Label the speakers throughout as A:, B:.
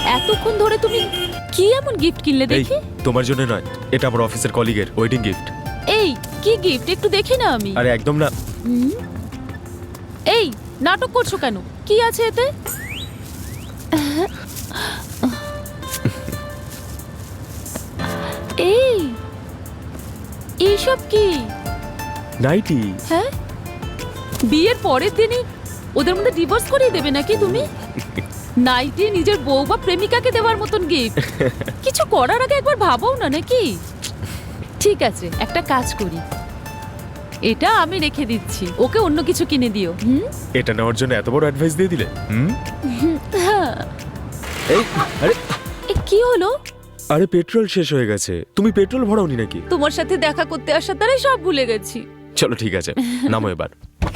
A: এতক্ষণ ধরে তুমি কি এমন গিফট কিনলে দেখি?
B: তোমার জন্য নয়, এটা আমার অফিসের কলিগের ওয়েডিং গিফট।
A: এই কি গিফট একটু দেখি না আমি।
B: আরে একদম না।
A: এই নাটক করছো কেন? কি আছে এতে? এই এইসব কি?
B: নাইটি।
A: হ্যাঁ, বিয়ের পরের দিনই ওদের মধ্যে ডিভোর্স করিয়ে দেবে নাকি তুমি? নাইটি নিজের বউ বা প্রেমিকাকে দেওয়ার মতন গিফট। কিছু করার আগে একবার ভাবও না নাকি? ঠিক আছে, একটা কাজ করি, এটা আমি রেখে দিচ্ছি, ওকে অন্য কিছু কিনে দিও।
B: এটা নেওয়ার জন্য এত বড় অ্যাডভাইস দিয়ে দিলে? এই আরে
A: কি হলো?
B: আরে পেট্রোল শেষ হয়ে গেছে। তুমি পেট্রোল ভরাওনি নাকি?
A: তোমার সাথে দেখা করতে আসার দ্বারাই সব ভুলে গেছি।
B: চলো ঠিক আছে, নামো এবার।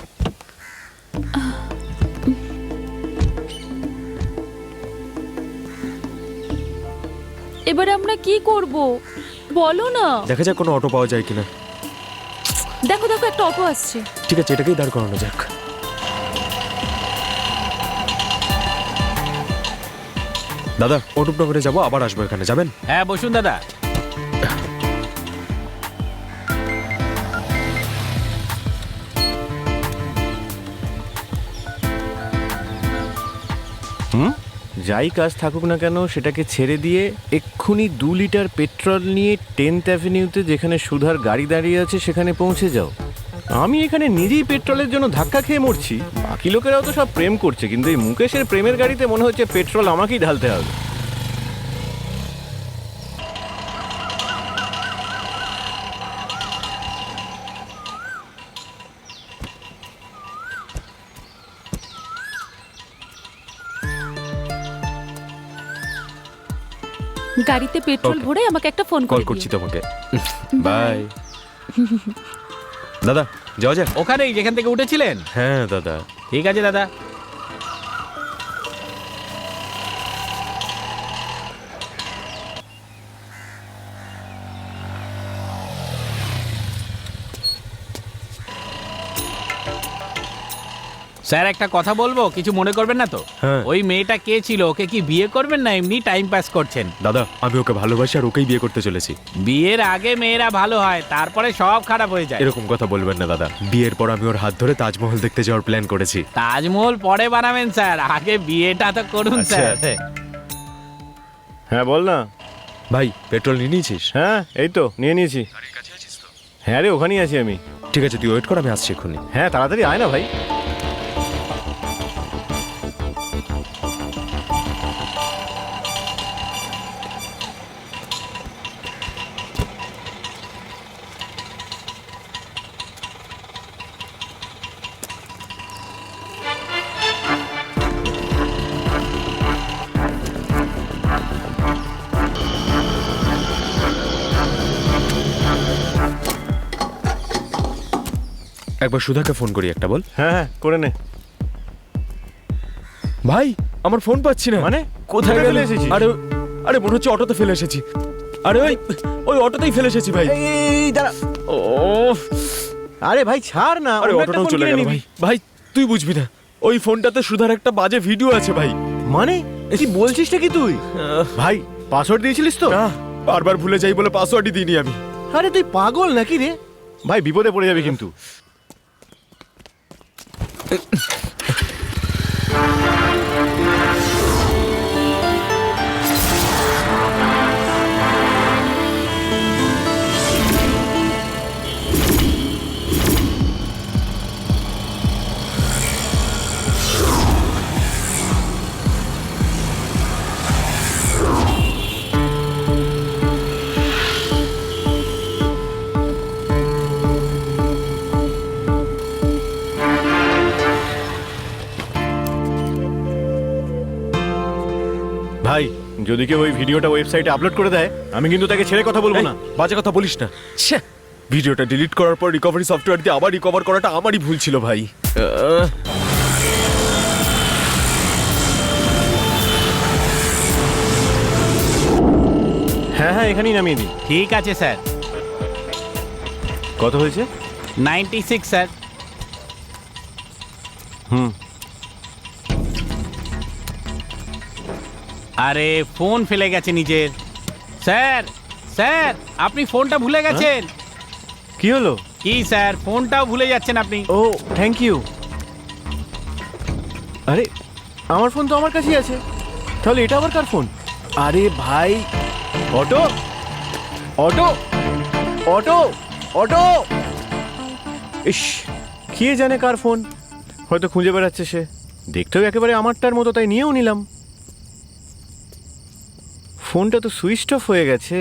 A: এবারে আমরা কি করব বলো না?
B: দেখা যাক কোনো অটো পাওয়া যায় কিনা।
A: দেখো দেখো, একটা অটো আসছে।
B: ঠিক আছে, এটাকেই দাঁড় করানো যাক। দাদা, অনুপনগরে যাবো, আবার আসবো, এখানে যাবেন?
C: হ্যাঁ বসুন দাদা।
D: যাই কাজ থাকুক না কেন সেটাকে ছেড়ে দিয়ে এক্ষুনি 2 লিটার পেট্রোল নিয়ে 10th অ্যাভিনিউতে যেখানে সুধার গাড়ি দাঁড়িয়ে আছে সেখানে পৌঁছে যাও। আমি এখানে নিজেই পেট্রোলের জন্য ধাক্কা খেয়ে মরছি, বাকি লোকেরাও তো সব প্রেম করছে, কিন্তু এই মুকেশের প্রেমের গাড়িতে মনে হচ্ছে পেট্রোল আমাকেই ঢালতে হবে।
A: গাড়িতে পেট্রোল
B: Okay.
A: ভরে আমাকে একটা ফোন
B: কল
A: করে
B: করছি
A: দিও।
B: তোমাকে। বাই। দাদা, যাওয়া যাক?
C: ওখানেই যেখান থেকে উঠেছিলেন?
B: হ্যাঁ দাদা।
C: ঠিক আছে দাদা। স্যার একটা কথা বলবো, কিছু মনে করবেন না তো?
B: হ্যাঁ।
C: ওই মেয়েটা কে ছিল? ওকে কি বিয়ে করবেন না এমনি টাইম পাস করছেন?
B: দাদা, আমি ওকে ভালোবাসি আর ওকেই বিয়ে করতে চলেছি।
C: বিয়ের আগে মেয়েরা ভালো হয়, তারপরে সব খারাপ হয়ে যায়।
B: এরকম কথা বলবেন না দাদা। বিয়ের পর আমি ওর হাত ধরে তাজমহল দেখতে যাওয়ার প্ল্যান করেছি।
C: তাজমহল পরে বানাবেন স্যার, আগে বিয়েটা তো করুন স্যার।
D: হ্যাঁ বল না।
B: ভাই, পেট্রোল নিয়ে নিয়েছিস?
D: হ্যাঁ এই তো নিয়ে নিয়েছি। হ্যাঁ রে, ওখানেই আছি আমি।
B: ঠিক আছে, তুই ওয়েট কর, আমি আসছি এক্ষুনি।
D: হ্যাঁ তাড়াতাড়ি আয় না ভাই।
B: একবার সুধাকে ফোন করি, একটা বল।
D: হ্যাঁ হ্যাঁ করে নে।
B: ভাই, আমার ফোন পাচ্ছি না।
D: মানে
B: কোথায়
D: ফেলে
B: গেলে
D: এসেছিস?
B: আরে আরে মনে হচ্ছে অটোতে ফেলে এসেছি। আরে ওই ওই অটোতেই ফেলে এসেছি ভাই।
D: এই দাঁড়া।
B: ও
D: আরে ভাই ছাড় না,
B: আরে
D: অন্য একটা
B: অটোটাও
D: ফোন
B: চলে
D: কিনে
B: গেল
D: নিবি।
B: ভাই। ভাই তুই বুঝবি না, ওই ফোনটাতে সুধার একটা বাজে ভিডিও আছে ভাই।
D: মানে কি বলছিসটা কি তুই? ভাই পাসওয়ার্ড দিয়েছিলিস তো?
B: না, বারবার ভুলে যাই বলে পাসওয়ার্ডই দিইনি আমি।
D: আরে তুই পাগল নাকি রে? ভাই বিপদে পড়ে যাবে কিন্তু। ভাই যদি কেউ ওই ভিডিওটা ওয়েবসাইটে আপলোড করে দেয়, আমি কিন্তু তাকে ছেড়ে কথা বলবো
B: এই,
D: না।
B: বাজে কথা বলিস না। ছ্যা, ভিডিওটা ডিলিট করার পর রিকভারি সফটওয়্যার দিয়ে আবার রিকভার করাটা আমারই ভুল ছিল ভাই।
D: হ্যাঁ হ্যাঁ এখানেই নামিয়ে দিই।
C: ঠিক আছে স্যার।
D: কত হয়েছে?
C: 96 স্যার।
D: হুম
C: আরে ফোন ফেলে গেছে নিজের। স্যার স্যার আপনি ফোনটা ভুলে গেছেন।
D: কি হলো?
C: কি স্যার, ফোনটাও ভুলে যাচ্ছেন আপনি।
D: ও থ্যাংক ইউ। আরে আমার ফোন তো আমার কাছেই আছে, তাহলে এটা আবার কার ফোন? আরে ভাই, অটো অটো অটো অটো! ইস, কে জানে কার ফোন, হয়তো খুঁজে বেড়াচ্ছে সে। দেখতেও একেবারে আমারটার মতো, তাই নিয়েও নিলাম। ফোনটা তো সুইচ অফ হয়ে গেছে।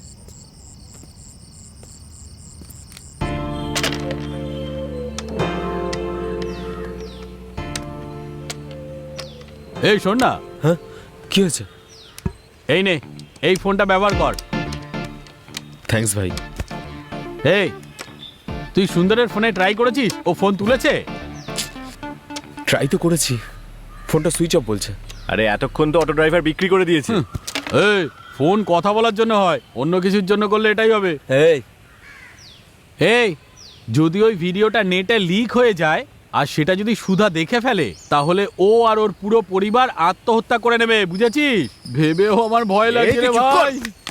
C: এই শোন না,
B: হ্যাঁ, কি হয়েছে?
C: এই নে, এই ফোনটা ব্যবহার কর।
B: থ্যাঙ্কস ভাই।
C: এই তুই সুন্দরের ফোনে ট্রাই করেছিস? ও ফোন তুলেছে?
B: ট্রাই তো করেছি, ফোনটা সুইচ অফ বলছে।
D: আরে এতক্ষণ তো অটো ড্রাইভার বিক্রি করে দিয়েছে।
C: এই ফোন কথা বলার জন্য হয়, অন্য কিছুর জন্য করলে এটাই হবে।
B: এই
C: এই যদি ওই ভিডিওটা নেটে লিক হয়ে যায় আর সেটা যদি সুধা দেখে ফেলে, তাহলে ও আর ওর পুরো পরিবার আত্মহত্যা করে নেবে, বুঝেছিস? ভেবেও আমার ভয় লাগছে রে ভাই।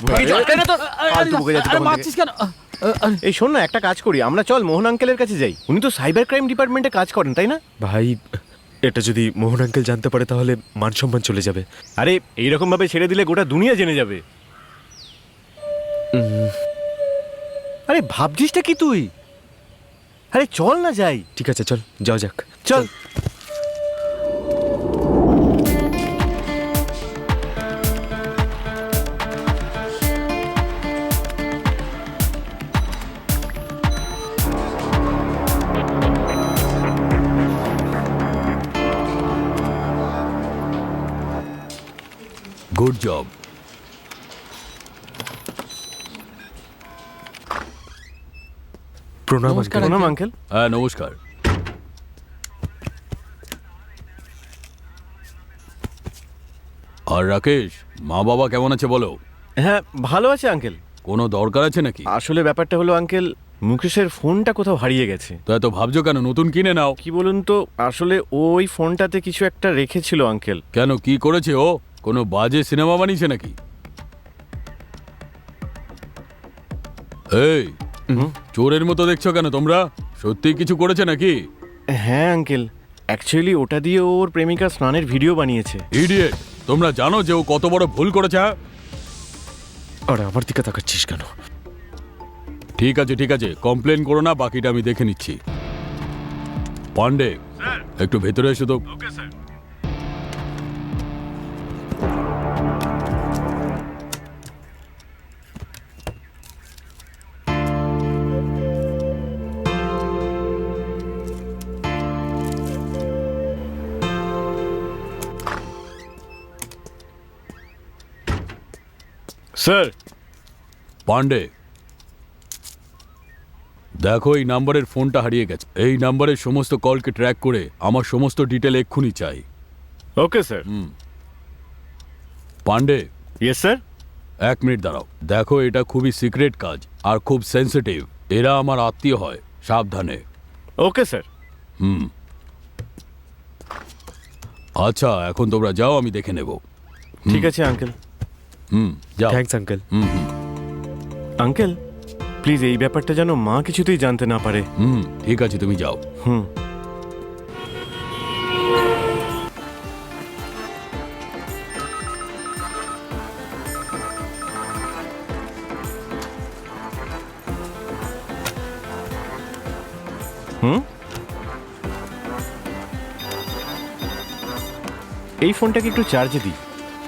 C: আরে মারছিস কেন?
D: এই শোন না, একটা কাজ করি, আমরা চল মোহন আঙ্কেলের কাছে যাই। উনি তো সাইবার ক্রাইম ডিপার্টমেন্টে কাজ করেন, তাই না?
B: ভাই, এটা যদি মোহন আঙ্কেল জানতে পারে তাহলে মান সম্মান চলে যাবে।
D: আরে এইরকম ভাবে ছেড়ে দিলে গোটা দুনিয়া জেনে যাবে। আরে ভাবছিসটা কি তুই? আরে চল না যাই।
B: ঠিক আছে, চল যাও যাক।
D: চল।
C: Good job.
B: প্রণাম
C: নমস্কার।
B: uncle।
D: প্রণাম আঙ্কেল।
C: হ্যাঁ নমস্কার। আর রাকেশ, মা বাবা কেমন আছে বলো?
D: হ্যাঁ ভালো আছে আঙ্কেল।
C: কোনো দরকার আছে নাকি?
D: আসলে ব্যাপারটা হলো আঙ্কেল, মুকেশের ফোনটা কোথাও হারিয়ে গেছে।
C: তো এত ভাবছো কেন? নতুন কিনে নাও।
D: কি বলুন তো, আসলে ওই ফোনটাতে কিছু একটা রেখেছিল আঙ্কেল।
C: কেন, কি করেছে ও? কোনো বাজে সিনেমা বানিয়েছে নাকি? এই চোরের মতো দেখছো কেন তোমরা? সত্যি কিছু করেছে নাকি?
D: হ্যাঁ আঙ্কেল, অ্যাকচুয়ালি ওটা দিয়ে ওর প্রেমিকা স্নানের ভিডিও বানিয়েছে।
C: ইডিয়েট, তোমরা জানো যে ও কত বড় ভুল করেছে?
B: আর আমার দিকে তাকাচ্ছিস কেন?
C: ঠিক আছে ঠিক আছে, কমপ্লেন করো না, বাকিটা আমি দেখে নিচ্ছি। পান্ডে, একটু ভেতরে এসো তো।
D: স্যার।
C: পান্ডে, দেখো এই নাম্বারের ফোনটা হারিয়ে গেছে। এই নাম্বারের সমস্ত কলকে ট্র্যাক করে আমার সমস্ত ডিটেল এক্ষুনি চাই।
D: Okay sir.
C: Pandey.
D: Yes sir.
C: 1 minute দাঁড়াও। দেখো এটা খুবই সিক্রেট কাজ আর খুব সেন্সিটিভ। এরা আমার আত্মীয় হয়, সাবধানে।
D: Okay sir.
C: আচ্ছা এখন তোমরা যাও, আমি দেখে নেব।
D: ঠিক আছে আঙ্কেল।
C: যাও।
B: Thanks uncle.
D: আঙ্কেল প্লিজ এই ব্যাপারটা যেন মা কিছুতেই জানতে না পারে।
C: ঠিক আছে, তুমি যাও।
D: হুম। হুম, এই ফোনটাকে একটু চার্জে দিই।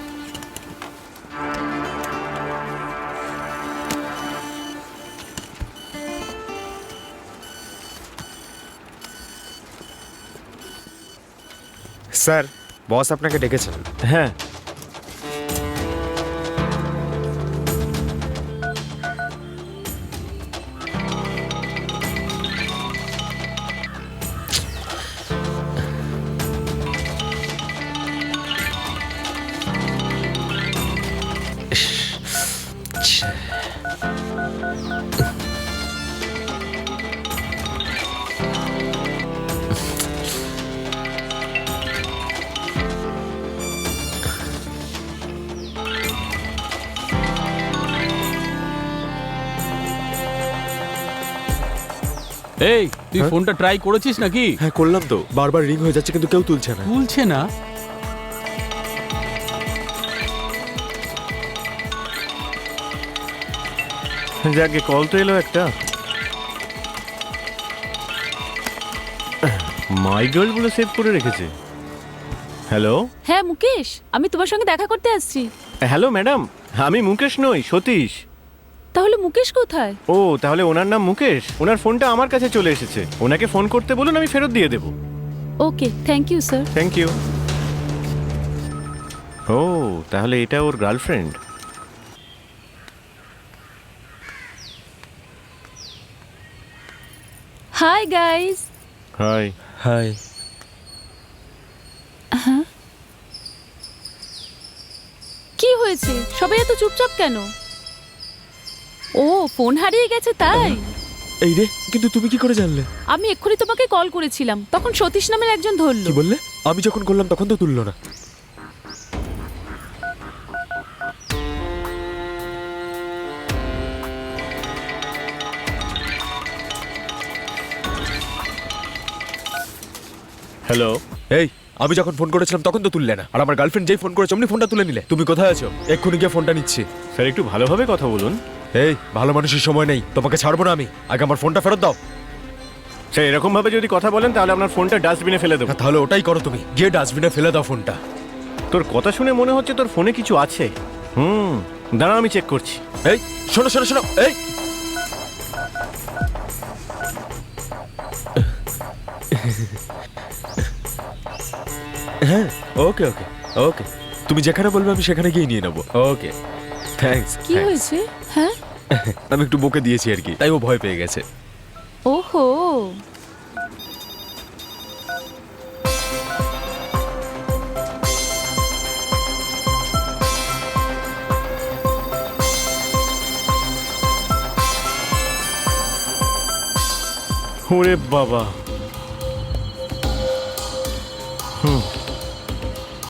B: স্যার, বস আপনাকে ডেকেছেন।
D: হ্যাঁ।
C: এই তুই
B: হ্যাঁ?
C: ফোনটা ট্রাই করেছিস নাকি?
B: হ্যাঁ করলাম তো, বারবার রিং হয়ে যাচ্ছে কিন্তু কেউ তুলছে না।
C: তুলছে না?
D: যাকে কল তো এলো একটা। মাই গার্ল বলে সেভ করে রেখেছে। হ্যালো
A: হ্যাঁ মুকেশ, আমি তোমার সঙ্গে দেখা করতে আসছি।
D: হ্যালো ম্যাডাম, আমি মুকেশ নই, সতীশ।
A: তাহলে মুকেশ কোথায়?
D: ও তাহলে ওনার নাম মুকেশ। ওনার ফোনটা আমার কাছে চলে এসেছে, ওনাকে ফোন করতে বলুন, আমি ফেরত দিয়ে দেবো।
A: Okay, thank you sir.
D: Thank you. ও তাহলে এটা ওর girlfriend.
A: Hi guys.
D: Hi.
B: Hi.
A: কি হয়েছে, সবাই এত চুপচাপ কেন? ও ফোন হারিয়ে গেছে তাই?
B: এই রে, কিন্তু তুমি কি করে জানলে?
A: আমি এক্ষুনি তোমাকে কল করেছিলাম, তখন সতীশ নামের একজন ধরলো।
B: কি বললে? আমি যখন করলাম তখন তো তুললো না।
D: হ্যালো।
B: এই, আমি যখন ফোন করেছিলাম তখন তো তুললে না, আর আমার গার্লফ্রেন্ড যেই ফোন করেছে অমনি ফোনটা তুলে নিলে। তুমি কোথায় আছো? এক্ষুনি গিয়ে ফোনটা নিচ্ছি।
D: স্যার একটু ভালোভাবে কথা বলুন।
B: এই, ভালো মানুষের সময় নেই, তোমাকে ছাড়বো না আমি। আগে আমার ফোনটা ফেরত দাও।
D: স্যার এরকম ভাবে যদি কথা বলেন তাহলে আপনার ফোনটা ডাস্টবিনে ফেলে দেবো।
B: হ্যাঁ, তাহলে ওটাই করো তুমি, গিয়ে ডাস্টবিনে ফেলে দাও ফোনটা।
D: তোর কথা শুনে মনে হচ্ছে তোর ফোনে কিছু আছে। দাঁড়া আমি চেক করছি।
B: এই শোনো শোনো শোনো, এই হ্যাঁ, ওকে ওকে ওকে, তুমি যেখানে বলবে আমি সেখানে গিয়ে নিয়ে নেবো। Okay, thanks.
A: কি হয়েছে? হ্যাঁ,
B: আমি একটু বকে দিয়েছি আর কি, তাই ও ভয় পেয়ে গেছে।
A: ওহো।
D: ওরে বাবা।